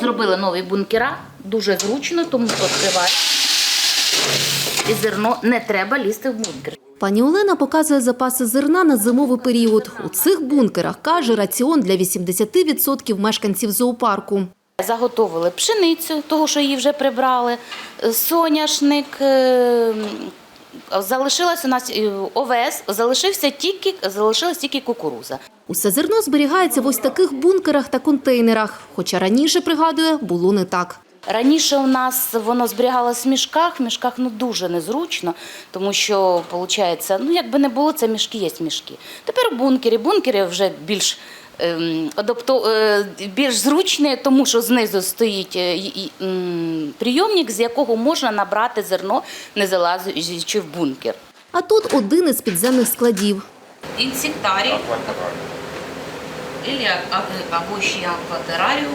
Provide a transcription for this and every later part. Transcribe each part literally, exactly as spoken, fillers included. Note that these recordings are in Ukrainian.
зробили нові бункера, дуже зручно, тому відкриваєш і зерно не треба лізти в бункер. Пані Олена показує запаси зерна на зимовий період. У цих бункерах, каже, раціон для вісімдесяти відсотків мешканців зоопарку. Заготовили пшеницю, того, що її вже прибрали, соняшник, залишилась у нас овес, залишився тільки, залишилась тільки кукурудза. Усе зерно зберігається в ось таких бункерах та контейнерах. Хоча раніше, пригадує, було не так. Раніше у нас воно зберігалося в мішках, в мішках ну, дуже незручно, тому що, виходить, ну, якби не було, це мішки є мішки. Тепер бункери, бункери вже більш, ем, адапто, е, більш зручні, тому що знизу стоїть е, е, е, прийомник, з якого можна набрати зерно, не залазячи в бункер. А тут один із підземних складів. Інсектарій, або ще акватераріум.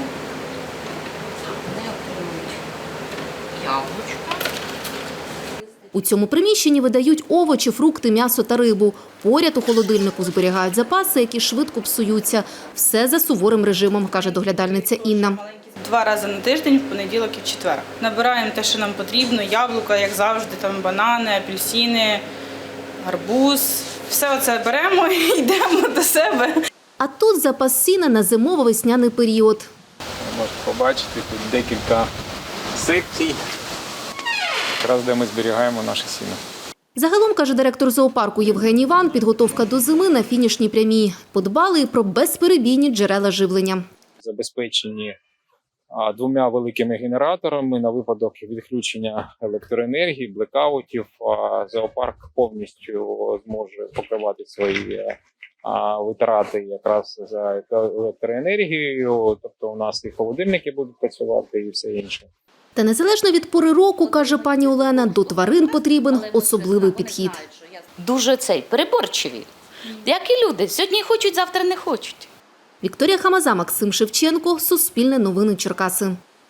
Яблучко. У цьому приміщенні видають овочі, фрукти, м'ясо та рибу. Поряд у холодильнику зберігають запаси, які швидко псуються. Все за суворим режимом, каже доглядальниця Інна. Два рази на тиждень, в понеділок і в четвер. Набираємо те, що нам потрібно, яблука, як завжди, там банани, апельсини, гарбуз. Все оце беремо і йдемо до себе. А тут запас сіна на зимово-весняний період. Можете побачити, тут декілька секцій, якраз де ми зберігаємо наше сіно. Загалом, каже директор зоопарку Євгеній Іван, підготовка до зими на фінішній прямій. Подбали і про безперебійні джерела живлення. Забезпечені двома великими генераторами на випадок відключення електроенергії, блекаутів. Зоопарк повністю зможе покривати свої витрати якраз за електроенергією. Тобто у нас і холодильники будуть працювати і все інше. Та незалежно від пори року, каже пані Олена, до тварин потрібен особливий підхід. Дуже цей, переборчиві. Як і люди. Сьогодні хочуть, завтра не хочуть. Вікторія Хамаза, Максим Шевченко, Суспільне новини Черкаси.